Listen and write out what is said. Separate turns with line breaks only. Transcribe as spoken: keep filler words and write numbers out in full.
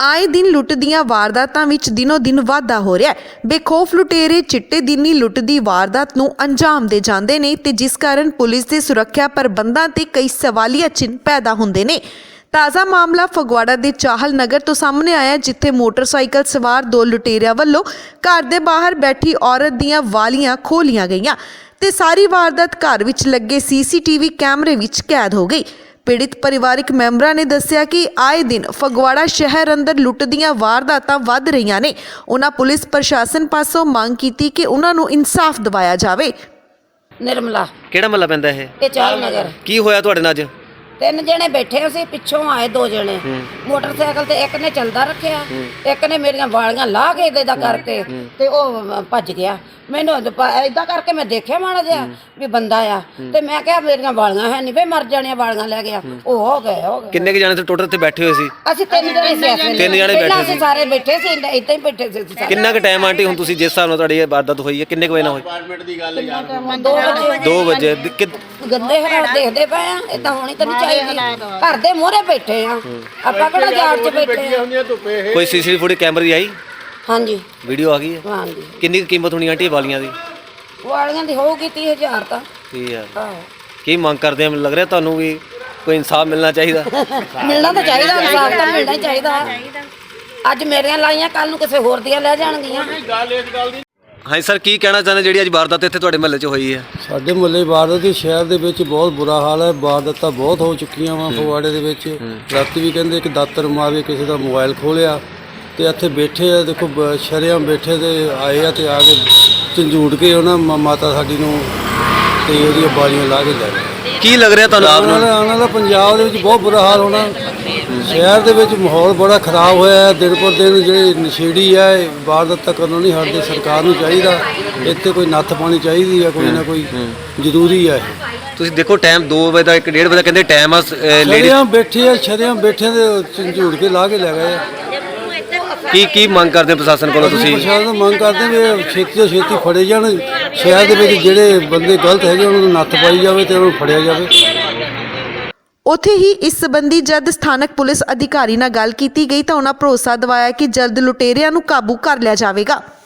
ਆਏ दिन लुੱਟ ਦੀਆਂ ਵਾਰਦਾਤਾਂ ਵਿੱਚ ਦਿਨੋ ਦਿਨ ਵਾਧਾ ਹੋ ਰਿਹਾ ਹੈ। ਬੇਖੌਫ ਲੁਟੇਰੇ ਚਿੱਟੇ ਦਿਨ ਹੀ ਲੁੱਟ ਦੀ ਵਾਰਦਾਤ ਨੂੰ ਅੰਜਾਮ ਦੇ ਜਾਂਦੇ ਨੇ ਤੇ ਜਿਸ ਕਾਰਨ ਪੁਲਿਸ ਦੇ ਸੁਰੱਖਿਆ ਪ੍ਰਬੰਧਾਂ ਤੇ ਕਈ ਸਵਾਲੀਆ ਚਿੰਨ੍ਹ ਪੈਦਾ ਹੁੰਦੇ ਨੇ। ਤਾਜ਼ਾ ਮਾਮਲਾ ਫਗਵਾੜਾ ਦੇ ਚਾਹਲ ਨਗਰ ਤੋਂ ਸਾਹਮਣੇ ਆਇਆ, ਜਿੱਥੇ ਮੋਟਰਸਾਈਕਲ ਸਵਾਰ ਦੋ ਲੁਟੇਰਿਆਂ ਵੱਲੋਂ ਘਰ ਦੇ ਬਾਹਰ ਬੈਠੀ ਔਰਤ ਦੀਆਂ ਵਾਲੀਆਂ ਖੋਹ ਲਈਆਂ ਗਈਆਂ ਤੇ ਸਾਰੀ ਵਾਰਦਾਤ ਘਰ ਵਿੱਚ ਲੱਗੇ ਸੀਸੀਟੀਵੀ ਕੈਮਰੇ ਵਿੱਚ ਕੈਦ ਹੋ ਗਈ। पीड़ित परिवारिक मैंबरां ने दस्सिया कि आए दिन फगवाड़ा शहर अंदर लुੱਟ ਦੀਆਂ ਵਾਰਦਾਤਾਂ ਵੱਧ ਰਹੀਆਂ ਨੇ। ਉਹਨਾਂ ਪੁਲਿਸ ਪ੍ਰਸ਼ਾਸਨ ਪਾਸੋਂ ਮੰਗ ਕੀਤੀ ਕਿ ਉਹਨਾਂ ਨੂੰ ਇਨਸਾਫ ਦਿਵਾਇਆ ਜਾਵੇ।
निर्मला
ਕਿਹੜਾ ਮਹੱਲਾ ਪੈਂਦਾ ਇਹ?
ये चाल नगर
ਕੀ ਹੋਇਆ ਤੁਹਾਡੇ ਨਾਲ ਅੱਜ?
ਤਿੰਨ ਜਣੇ ਬੈਠੇ ਅਸੀਂ, ਪਿੱਛੋਂ ਆਏ ਦੋ ਜਣੇ ਮੋਟਰਸਾਈਕਲ ਤੇ, ਇੱਕ ਨੇ ਚੱਲਦਾ ਰੱਖਿਆ, ਇੱਕ ਨੇ ਮੇਰੀਆਂ ਵਾਲੀਆਂ ਲਾਹ ਕੇ ਇਦਾਂ ਕਰਕੇ ਤੇ ਉਹ ਭੱਜ ਗਿਆ। ਮੈਨੂੰ ਇਦਾਂ ਕਰਕੇ ਮੈਂ ਦੇਖਿਆ ਮਾੜਾ ਜਿਹਾ ਵੀ ਬੰਦਾ ਆ ਤੇ ਮੈਂ ਕਿਹਾ ਮੇਰੀਆਂ ਵਾਲੀਆਂ ਹੈ ਨਹੀਂ ਵੇ, ਮਰ ਜਾਣੀਆਂ, ਵਾਲੀਆਂ ਲੈ ਗਿਆ। ਉਹ ਹੋ ਗਏ ਹੋ ਗਏ।
ਕਿੰਨੇ ਕੁ ਜਾਣੇ ਤੇ ਟੋਟਲ ਤੇ ਬੈਠੇ ਹੋਏ ਸੀ?
ਅਸੀਂ ਤਿੰਨ ਜਣੇ ਸੀ।
ਤਿੰਨ ਜਣੇ ਬੈਠੇ ਸੀ,
ਸਾਰੇ ਬੈਠੇ ਸੀ, ਇਦਾਂ ਹੀ ਬੈਠੇ ਸੀ ਸਾਰੇ।
ਕਿੰਨਾ ਕੁ ਟਾਈਮ ਆਂਟੀ ਹੁਣ ਤੁਸੀਂ ਜਿਸ ਹਿਸਾਬ ਨਾਲ ਤੁਹਾਡੀ ਇਹ ਵਾਰਦਾਤ ਹੋਈ ਹੈ ਕਿੰਨੇ ਕੁ ਵਜੇ ਨਾਲ ਹੋਈ?
ਡਿਪਾਰਟਮੈਂਟ ਦੀ ਗੱਲ ਯਾਰ
ਦੋ ਵਜੇ।
ਗੰਦੇ ਹਾਲਾਤ ਦੇਖਦੇ ਪਏ ਆ, ਇਦਾਂ ਹੋਣੀ ਤਾਂ ਨਹੀਂ ਚਾਹੀਦੀ। ਘਰ ਦੇ ਮੂਹਰੇ ਬੈਠੇ ਆ, ਆਪਾਂ ਕਿਹੜਾ ਜਾੜ 'ਚ ਬੈਠੇ ਆ।
ਕੋਈ ਸੀਸੀਟੀਵੀ ਫੁਟੇਜ ਕੈਮਰੇ ਦੀ ਆਈ?
ਹਾਂਜੀ,
ਵੀਡੀਓ ਆ ਗਈ ਹੈ।
ਹਾਂਜੀ।
ਕਿੰਨੀ ਕੁ ਕੀਮਤ ਹੋਣੀ ਆਂਟੀ ਵਾਲੀਆਂ ਦੀ?
ਵਾਲੀਆਂ ਦੀ ਹੋਊਗੀ ਤੀਹ ਹਜ਼ਾਰ ਤਾਂ।
ਠੀਕ ਹੈ।
ਆਹੋ,
ਕੀ ਮੰਗ ਕਰਦੇ ਆ? ਮੈਨੂੰ ਲੱਗ ਰਿਹਾ ਤੁਹਾਨੂੰ ਵੀ ਕੋਈ ਇਨਸਾਫ ਮਿਲਣਾ ਚਾਹੀਦਾ।
ਮਿਲਣਾ ਤਾਂ ਚਾਹੀਦਾ, ਇਨਸਾਫ ਤਾਂ ਮਿਲਣਾ ਹੀ ਚਾਹੀਦਾ। ਅੱਜ ਮੇਰੀਆਂ ਲਾਈਆਂ, ਕੱਲ ਨੂੰ ਕਿਸੇ ਹੋਰ ਦੀਆਂ ਲੈ ਜਾਣਗੀਆਂ।
ਹਾਂਜੀ ਸਰ, ਕੀ ਕਹਿਣਾ ਚਾਹੁੰਦੇ ਜਿਹੜੀ ਅੱਜ ਵਾਰਦਾਤ ਇੱਥੇ ਤੁਹਾਡੇ ਮਹੱਲੇ 'ਚ ਹੋਈ ਹੈ?
ਸਾਡੇ ਮੁਹੱਲੇ ਵਾਰਦਾਤ ਦੀ ਸ਼ਹਿਰ ਦੇ ਵਿੱਚ ਬਹੁਤ ਬੁਰਾ ਹਾਲ ਹੈ। ਵਾਰਦਾਤਾਂ ਬਹੁਤ ਹੋ ਚੁੱਕੀਆਂ ਵਾ ਫਗਵਾੜੇ ਦੇ ਵਿੱਚ। ਰਾਤੀ ਵੀ ਕਹਿੰਦੇ ਇੱਕ ਦਾਤਰ ਮਾਰ ਕੇ ਕਿਸੇ ਦਾ ਮੋਬਾਈਲ ਖੋਲਿਆ ਤੇ ਇੱਥੇ ਬੈਠੇ ਆ, ਦੇਖੋ ਸ਼ਰੇਆਮ ਬੈਠੇ ਤੇ ਆਏ ਆ ਤੇ ਆ ਕੇ ਝੰਜੂੜ ਕੇ ਉਹਨਾਂ ਮਾਤਾ ਸਾਡੀ ਨੂੰ ਤੇ ਉਹਦੀਆਂ ਬਾਲੀਆਂ ਲਾ ਕੇ ਲੈ ਗਏ।
ਕੀ ਲੱਗ ਰਿਹਾ ਤੁਹਾਨੂੰ?
ਆਉਣ ਵਾਲਾ ਆਉਣ ਵਾਲਾ ਪੰਜਾਬ ਦੇ ਵਿੱਚ ਬਹੁਤ ਬੁਰਾ ਹਾਲ ਹੋਣਾ। ਸ਼ਹਿਰ ਦੇ ਵਿੱਚ ਮਾਹੌਲ ਬੜਾ ਖਰਾਬ ਹੋਇਆ ਹੈ। ਦਿਨ ਪਰ ਦਿਨ ਜਿਹੜੇ ਨਸ਼ੇੜੀ ਆ ਵਾਰਦਾਤਾਂ ਕਰਨੋਂ ਨਹੀਂ ਹਟਦੇ। ਸਰਕਾਰ ਨੂੰ ਚਾਹੀਦਾ ਇੱਥੇ ਕੋਈ ਨੱਥ ਪਾਣੀ ਚਾਹੀਦੀ ਆ, ਕੋਈ ਨਾ ਕੋਈ ਜ਼ਰੂਰੀ ਆ।
ਤੁਸੀਂ ਦੇਖੋ ਟਾਈਮ ਦੋ ਵਜੇ ਦਾ, ਇੱਕ ਡੇਢ ਵਜੇ ਦਾ ਕਹਿੰਦੇ ਟਾਈਮ ਆ।
ਸ਼ਰੇਆਮ ਬੈਠੇ ਆ, ਸ਼ਰੇਆਮ ਬੈਠੇ ਤੇ ਝੰਜੂੜ ਕੇ ਲਾ ਕੇ ਲੈ ਗਏ ਆ।
ਕੀ ਕੀ ਮੰਗ ਕਰਦੇ ਪ੍ਰਸ਼ਾਸਨ ਕੋਲੋਂ ਤੁਸੀਂ?
ਪ੍ਰਸ਼ਾਸਨ ਤੋਂ ਮੰਗ ਕਰਦੇ ਵੀ ਛੇਤੀ ਤੋਂ ਛੇਤੀ ਫੜੇ ਜਾਣ। ਸ਼ਹਿਰ ਦੇ ਵਿੱਚ ਜਿਹੜੇ ਬੰਦੇ ਗਲਤ ਹੈਗੇ ਉਹਨਾਂ ਨੂੰ ਨੱਥ ਪਾਈ ਜਾਵੇ ਤੇ ਉਹਨਾਂ ਨੂੰ ਫੜਿਆ ਜਾਵੇ।
ਉੱਥੇ ਹੀ ਇਸ ਸੰਬੰਧੀ ਜਦ ਸਥਾਨਕ ਪੁਲਿਸ ਅਧਿਕਾਰੀ ਨਾਲ ਗੱਲ ਕੀਤੀ ਗਈ ਤਾਂ ਉਹਨਾਂ ਭਰੋਸਾ ਦਿਵਾਇਆ ਕਿ ਜਲਦ ਲੁਟੇਰਿਆਂ ਨੂੰ ਕਾਬੂ ਕਰ ਲਿਆ ਜਾਵੇਗਾ।